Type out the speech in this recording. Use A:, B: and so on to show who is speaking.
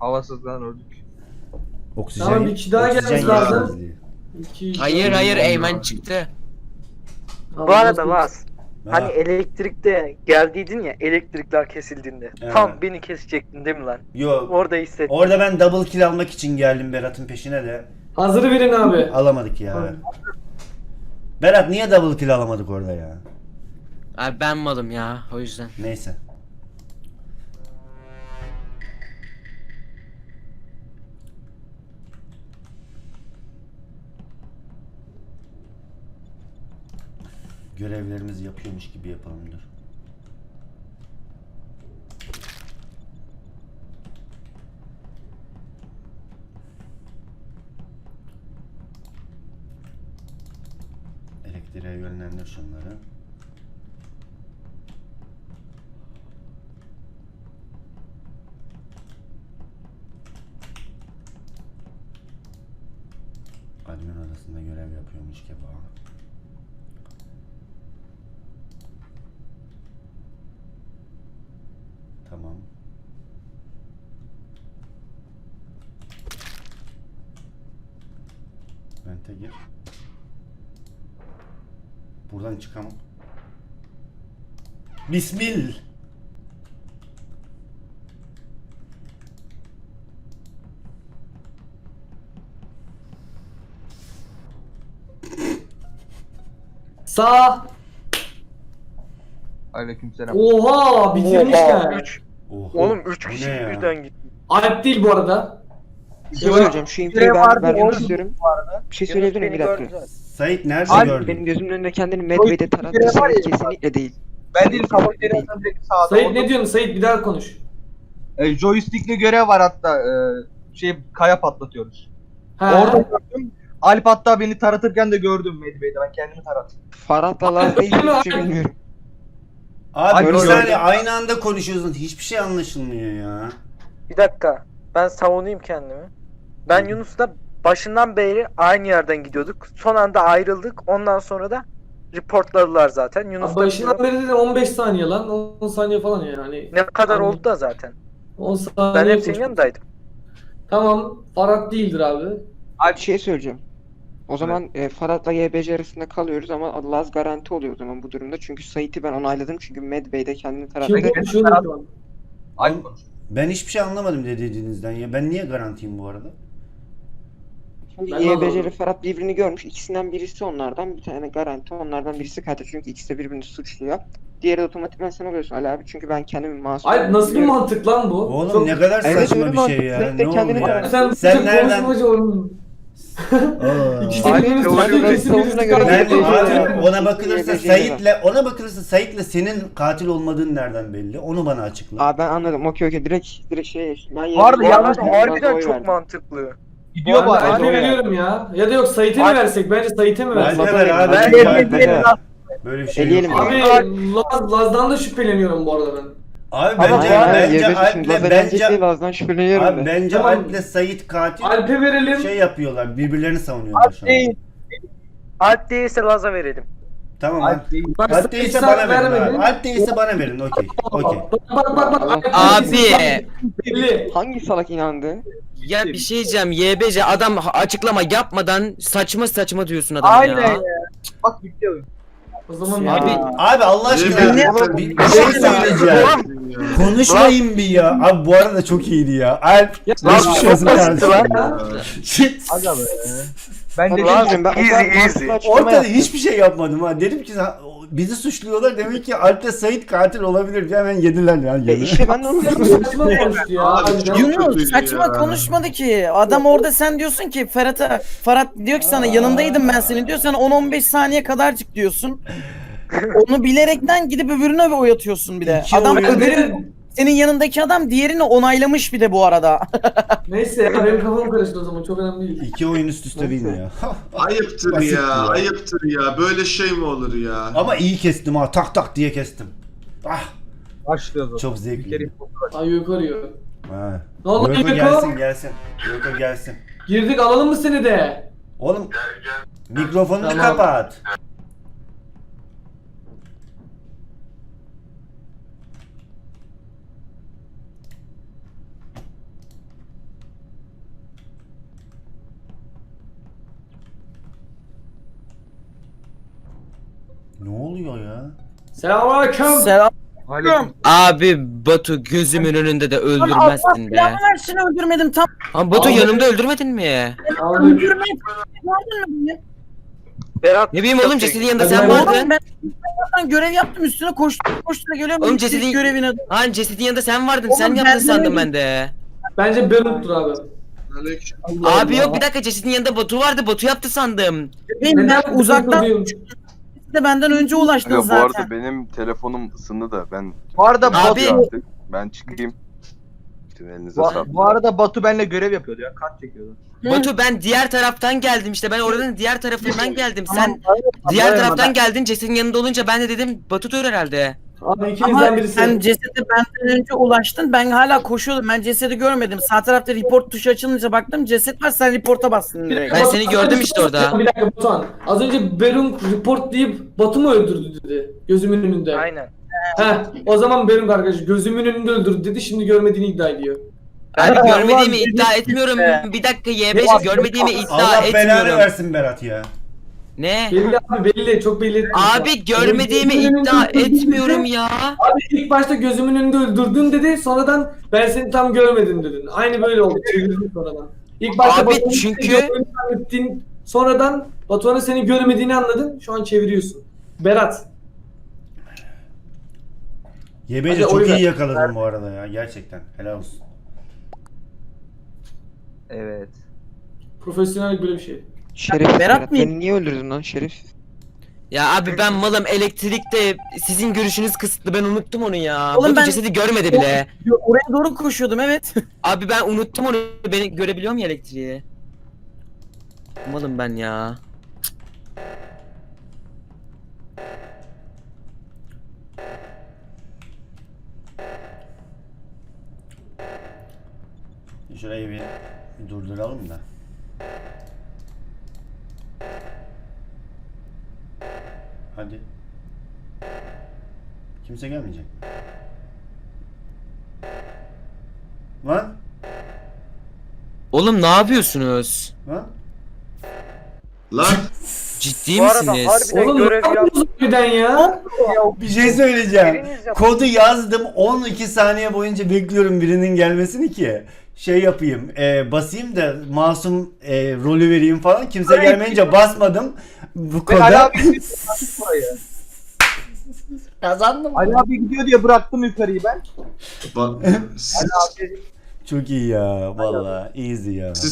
A: Havasızdan öldük.
B: Oksijen,
C: Tamam, bir kişi daha
B: oksijen
C: gelmesi lazım.
B: yetmezliği.
D: Hayır Eymen çıktı.
E: Bu arada Vaz,
B: Ha,
E: hani elektrikte geldiydin ya, elektrikler kesildiğinde.
B: Evet.
E: Tam beni kesecektin değil mi lan?
B: yok.
E: Orada hissettim.
B: Orada ben double kill almak için geldim Berat'ın peşine de.
C: Hazır verin abi.
B: Alamadık ya. Berat niye double kill alamadık orada ya?
D: Abi ben malım ya o yüzden.
B: Neyse. Görevlerimizi yapıyormuş gibi yapalım dur. Elektriğe yönlendir şunları. Admin odasında görev yapıyormuş gibi. Tamam. Vente gir. Buradan çıkamam. Bismillah.
C: Sağ.
A: Aleykümselam.
C: Oha, bitirmişler.
E: 3.
B: Oho.
E: Oğlum 3
B: Bu
E: kişi
B: ne ya?
E: birden gitti.
C: Alp değil bu arada.
F: Bir şey söyleyeceğim. Şu infoyu ben vermek istiyorum. Bir şey söyleyebilir miyim? Bir dakika.
B: Sait nerede
A: Alp,
B: gördün?
F: Benim gözümün önünde kendini Medve'de tarattı. Sait kesinlikle değil.
A: Ben değil, kafeteryadan direkt sağda.
C: Sait
A: Orada-
C: ne diyorsun Sait, bir daha konuş.
A: Joystick'li görev var hatta. Kaya patlatıyoruz.
C: Ha.
A: Orada gördüm. Alp hatta beni taratırken de gördüm Medve'de. Ben kendimi tarattım.
F: Farhat'la Laz değil, hiçbir şey bilmiyorum.
B: Abi bir
A: Gördüm.
B: saniye aynı anda konuşuyorsun. Hiçbir şey anlaşılmıyor ya.
E: Bir dakika. Ben savunayım kendimi. Ben Yunus'la başından beri aynı yerden gidiyorduk. Son anda ayrıldık. Ondan sonra da reportladılar zaten. Yunus da
C: Başından beri dedim 15 saniye lan. 10 saniye falan yani.
E: ne kadar
C: Anladım.
E: oldu da zaten.
C: 10 saniye.
E: Ben hep senin
C: koştum.
E: yanındaydım.
C: Tamam. Farhat değildir abi.
F: Bir şey söyleyeceğim. O zaman Farhat'la YBC arasında kalıyoruz ama Laz garanti oluyor o zaman bu durumda. Çünkü Sait'i ben onayladım çünkü Medve'de kendini tarattı.
C: Kim konuşuyor şu an?
A: Alp konuş.
B: Ben hiçbir şey anlamadım dediğinizden ya. Ben niye garantiyim bu arada?
F: Şimdi
C: Ben de
F: YBC ile
C: anlamadım.
F: Ferhat birbirini görmüş. İkisinden birisi onlardan, bir tane garanti onlardan birisi katil. Çünkü ikisi de birbirini suçluyor. Diğeri de otomatikman sen oluyorsun Ali abi. Çünkü ben kendimi masum.
C: Alp nasıl bir mantık lan bu?
B: Oğlum
C: Çok-
B: ne kadar
F: Evet,
B: saçma
F: öyle
B: bir şey
F: mantık.
B: ya.
F: Sait de
B: Ne oldu
F: kendini
B: ya?
C: Sen,
B: Sen nereden?
C: konuşmacı oldun.
B: Aa.
C: İkisi
E: Alp
C: birbirini
E: teori
C: suçluyor,
F: üretiyor.
C: kesin birisi
F: Savunma göre
B: Ben
C: katil.
F: YBC
B: abi ona bakılırsa
F: YBC
B: Sait'le senin katil olmadığın nereden belli? Onu bana açıkla.
F: Aa ben anladım. Okey. Direkt şey. Ben
A: Bu arada
E: Bu
F: YBC 'ye
E: arada
F: verdim,
E: harbiden
F: Laz'a oy
E: çok
F: verdim.
E: mantıklı.
A: Gidiyor bu
C: Ben
A: arada.
C: Alp'e veriyorum ya. Ya da yok Sait'e mi
E: Alp-
C: versek? Bence Sait'e mi versek?
B: Alp'e ver abi.
E: Ben
B: çünkü
E: Alp'e
B: böyle bir şey
F: Eleyelim
B: yok.
F: abi.
C: Abi Laz'dan da şüpheleniyorum bu arada ben.
B: Abi
F: Ama
B: bence
F: bu arada
B: bence
F: YBC şimdi Laz'a gelecek diye
B: Alp'le
F: Laz'dan şüpheleniyorum
B: abi
F: ben.
B: bence
C: Tamam.
B: Alp'le Sait katil
C: Alp'e verelim.
B: şey yapıyorlar. Birbirlerini savunuyorlar şu an.
A: Değil.
E: Alp değilse Laz'a verelim.
B: Tamam
A: Alp
B: Alp.
A: değil.
C: Bak,
B: Alp
C: Sait
B: değilse
C: sana
B: bana verin
C: vermedi.
B: abi. Alp değilse bana verin. Okey. Okey.
C: Bak.
D: Abi.
C: Belli.
F: Hangi salak inandı?
D: Ya bir şey diyeceğim YBC adam açıklama yapmadan saçma saçma diyorsun adama
A: Aynen
D: ya.
A: ya. Bak bitti oyun.
C: O zaman
F: Ya.
D: Abi
B: Abi Allah aşkına bir şey söyleyeceğim. Konuşmayın bir ya. Abi bu arada çok iyiydi ya. Alp
C: Ya,
B: geçmiş
E: çok
B: olsun
E: basitti
B: kardeşim.
E: lan.
A: Aga be. Ben de
F: Lazım ben o kadar
E: Easy,
F: mantıklı
E: easy.
F: açıklama
B: Ortada
F: yaptım.
B: hiçbir şey yapmadım ha. Dedim ki bizi suçluyorlar demek ki Alp'le Sait katil olabilir diye hemen yediler yani.
F: İşte ben de onu
C: saçma konuştu ya. harbiden.
G: Yunus saçma konuşmadı ki. Adam orada sen diyorsun ki Ferhat diyor ki sana yanındaydım ben senin diyor. Sen 10-15 saniye kadarcık diyorsun. Onu bilerekten gidip öbürüne oy atıyorsun bir de.
B: İki
G: Adam
B: oyun-
G: öbürü senin yanındaki adam diğerini onaylamış bir de bu arada.
C: Neyse ya, benim kafam karıştı o zaman, çok önemli değil.
B: 2 oyun üst üste win ya.
H: Ayıptır
B: Basitti
H: ya,
B: ya.
H: ayıptır ya. Böyle şey mi olur ya?
B: Ama iyi kestim ha. Tak tak diye kestim. Ah
A: başlıyoruz o zaman.
B: çok
A: Bir kere
B: zevkli.
C: Ay yukarıyor.
B: Ha.
C: Ne oldu
B: Yoko
C: Yuko?
B: gelsin. Yoko gelsin.
C: Girdik, alalım mı seni de?
B: Oğlum mikrofonunu
C: Tamam.
B: kapat. Ne oluyor ya?
C: Selamünaleyküm.
G: Selam.
D: Abi Batu gözümün önünde de öldürmezsin be.
G: Ya ben seni öldürmedim tam.
D: Ama Batu
C: Abi-
D: yanımda öldürmedin mi?
C: Selamünaleyküm.
G: Öldürmedim. Gördün mü beni?
E: Berat.
D: Ne bileyim oğlum cesedin yanında sen
C: Hadi
D: vardın.
G: Oğlum ben görev yaptım üstüne koştum geliyorum.
D: Oğlum
G: İlk
D: cesedin-
G: görevine.
D: Hani cesedin yanında sen vardın.
G: Oğlum
D: Sen
G: ben
D: yaptın sandım
G: demedim.
D: ben de.
C: Bence Berut'tur abi.
H: Aleyküm.
D: Abi yok bir dakika cesedin yanında Batu vardı. Batu yaptı sandım.
G: Benim ben
C: Neden
G: uzaktan
C: diyorum?
G: de benden önce ulaştın
I: Ya bu
G: zaten.
I: arada benim telefonum ısındı da ben
A: Bu arada
D: Abi-
A: Batu,
I: artık ben çıkayım. Sizin elinize sağlık.
A: bu arada Batu benimle görev yapıyordu ya. Kart çekiyordu.
G: Hı.
D: Batu ben diğer taraftan geldim işte. Ben oradan diğer tarafından geldim. Sen
A: Tamam,
D: diğer
A: tamam,
D: taraftan
A: ben-
D: geldin. Cesedin yanında olunca ben de dedim Batu'dur herhalde.
C: Abi ikinizden
G: Ama
C: birisi.
G: sen cesede benden önce ulaştın. Ben hala koşuyordum. Ben cesedi görmedim. Sağ tarafta report tuşu açılınca baktım ceset var. Sen reporta bastın direkt.
D: Ben seni gördüm işte orada.
C: Bir dakika Batuhan. Az önce Berun report deyip Batu mu öldürdü dedi. Gözümün önünde.
E: Aynen.
C: Heh, o zaman Berun arkadaş gözümün önünde öldürdü dedi. Şimdi görmediğini iddia ediyor.
D: Abi
A: Ulan
D: görmediğimi
A: dedim
D: iddia etmiyorum.
A: işte.
D: Bir dakika YBC görmediğimi iddia
B: Allah belanı
D: etmiyorum.
B: versin Berat ya.
D: Ne?
C: Belli abi belli. Çok belli etmiş.
D: Abi görmediğimi
C: Gözümün
D: iddia
C: önünde öldürdü
D: etmiyorum
C: dedi.
D: ya.
C: Abi ilk başta gözümün önünde öldürdün dedi. Sonradan ben seni tam görmedim dedin. Aynı böyle oldu. Çevirdin sonradan. İlk başta
D: Abi
C: Batuhan'ın
D: çünkü-
C: seni görmediğini zannettin. Sonradan Batuhan'ın seni görmediğini anladın. Şu an çeviriyorsun. Berat.
B: YBC
C: Hadi
B: çok
C: oy ver.
B: iyi yakaladın bu arada ya gerçekten. Helal olsun.
A: Evet.
C: Profesyonellik böyle bir şey.
F: Şerefsiz
G: Berat
F: Berat.
G: mıyım?
F: Beni niye öldürdün lan şerefsiz?
D: Ya abi ben malım elektrikte sizin görüşünüz kısıtlı ben unuttum onu ya.
G: Oğlum
D: Batu
G: ben-
D: cesedi görmedi bile.
G: Oraya doğru koşuyordum evet.
D: Abi ben unuttum onu. Beni görebiliyor mu elektriği? Malım ben ya.
B: Şurayı bir durduralım da. Hadi. Kimse gelmeyecek. Lan?
D: Oğlum ne yapıyorsunuz?
B: Lan?
H: Lan
D: Ciddi
E: Bu arada
D: misiniz?
E: harbiden
C: Oğlum ne
E: görev yap.
C: yapıyorsun birden ya?
B: Bir şey söyleyeceğim.
E: Biriniz yap.
B: Kodu yazdım 12 saniye boyunca bekliyorum birinin gelmesini ki şey yapayım basayım da masum rolü vereyim falan kimse gelmeyince basmadım bu
A: Ben Ali
B: koda.
A: abi bıraktım burayı.
B: Kazandım.
A: Ali abi gidiyor diye bıraktım yukarıyı ben.
H: bak
A: Ali abi
B: Çok iyi ya valla easy ya.